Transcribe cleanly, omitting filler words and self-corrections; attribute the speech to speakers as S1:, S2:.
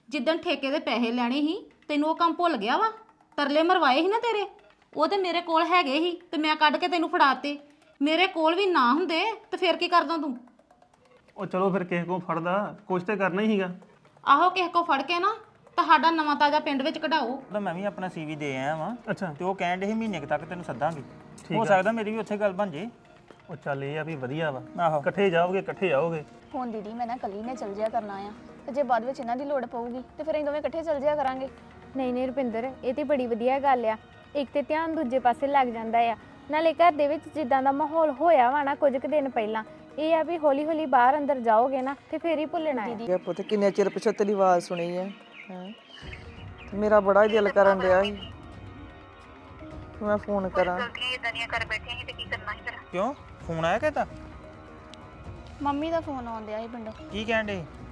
S1: ਜਿੱਦਣ ਠੇਕੇ ਦੇ ਪੈਸੇ ਲੈਣੇ ਸੀ ਤੈਨੂੰ ਉਹ ਕੰਮ ਭੁੱਲ ਗਿਆ ਵਾ। ਤਰਲੇ ਮਰਵਾਏ ਸੀ ਨਾ ਤੇਰੇ, ਉਹ ਤੇ ਮੇਰੇ ਕੋਲ ਹੈਗੇ ਸੀ ਤੇ ਮੈਂ ਕੱਢ ਕੇ ਤੈਨੂੰ ਫੜਾਤੇ। ਮੇਰੇ ਕੋਲ ਵੀ ਨਾ ਹੁੰਦੇ ਤੇ ਫਿਰ ਕੀ ਕਰਦਾ ਤੂੰ?
S2: ਉਹ ਚਲੋ ਫਿਰ ਕਿਸੇ ਕੋਲ ਫੜਦਾ, ਕੁਛ ਤੇ ਕਰਨਾ ਹੀ ਸੀਗਾ।
S1: ਆਹੋ ਕਿਸੇ ਕੋ ਫੜ ਕੇ ਨਾ ਤੁਹਾਡਾ ਨਵਾਂ ਤਾਜ਼ਾ ਪਿੰਡ ਵਿੱਚ ਕਢਾਓ।
S3: ਤਾਂ ਮੈਂ ਵੀ ਆਪਣਾ ਸੀਵੀ ਦੇ ਆਇਆ ਵਾਂ
S2: ਅੱਛਾ
S3: ਤੇ ਉਹ ਕਹਿਣ ਡੇ ਸੀ ਮਹੀਨੇ ਕੁ ਤੱਕ ਤੈਨੂੰ ਸੱਦਾਂਗੇ। ਹੋ ਸਕਦਾ ਮੇਰੀ ਵੀ ਉੱਥੇ ਗੱਲ ਬਣ ਜੇ।
S2: ਉਹ ਚੱਲ ਇਹ ਆ ਵੀ ਵਧੀਆ ਵਾ,
S3: ਆਹੋ
S2: ਇਕੱਠੇ ਜਾਓਗੇ ਇਕੱਠੇ ਆਓਗੇ।
S4: ਹੁਣ ਦੀਦੀ ਮੈਂ ਨਾ ਕੱਲੀ ਨੇ ਚੱਲ ਜਿਆ ਕਰਨਾ ਆ ਤੇ ਜੇ ਬਾਅਦ ਵਿੱਚ ਇਹਨਾਂ ਦੀ ਲੋੜ ਪਊਗੀ ਤੇ ਫਿਰ ਅਸੀਂ ਦੋਵੇਂ ਇਕੱਠੇ ਚੱਲ ਜਿਆ ਕਰਾਂਗੇ।
S5: ਨਹੀਂ ਨਹੀਂ ਰੁਪਿੰਦਰ, ਇਹ ਤੇ ਬੜੀ ਵਧੀਆ ਗੱਲ ਆ। ਇੱਕ ਤੇ ਧਿਆਨ ਦੂਜੇ ਪਾਸੇ ਲੱਗ ਜਾਂਦਾ ਆ। ਨਾਲੇ ਘਰ ਦੇ ਵਿੱਚ ਜਿੱਦਾਂ ਦਾ ਮਾਹੌਲ ਹੋਇਆ ਵਾ ਨਾ ਕੁਝ ਕੁ ਦਿਨ ਪਹਿਲਾਂ, ਇਹ ਆ ਵੀ ਹੌਲੀ ਹੌਲੀ ਬਾਹਰ ਅੰਦਰ ਜਾਓਗੇ ਨਾ ਤੇ ਫੇਰ ਹੀ ਭੁੱਲਣਾ ਹੈ।
S6: ਇਹ ਪੁੱਤ ਕਿੰਨੇ ਚਿਰ ਪਿਛੋਂ ਤੇਰੀ ਆਵਾਜ਼ ਸੁਣੀ ਹੈ ਮੇਰਾ ਬੜਾ ਹੀ ਦਿਲ ਕਰਨ ਡਿਆ ਸੀ ਮੈਂ ਫੋਨ ਕਰਾਂ।
S3: ਕਿਉਂ ਫੋਨ ਆਇਆ ਕਿਤਾ?
S4: ਮੰਮੀ ਦਾ ਫੋਨ ਆਉਂਦਿਆ ਸੀ ਪਿੰਡੋਂ।
S3: ਕੀ ਕਹਿਣ ਡੇ?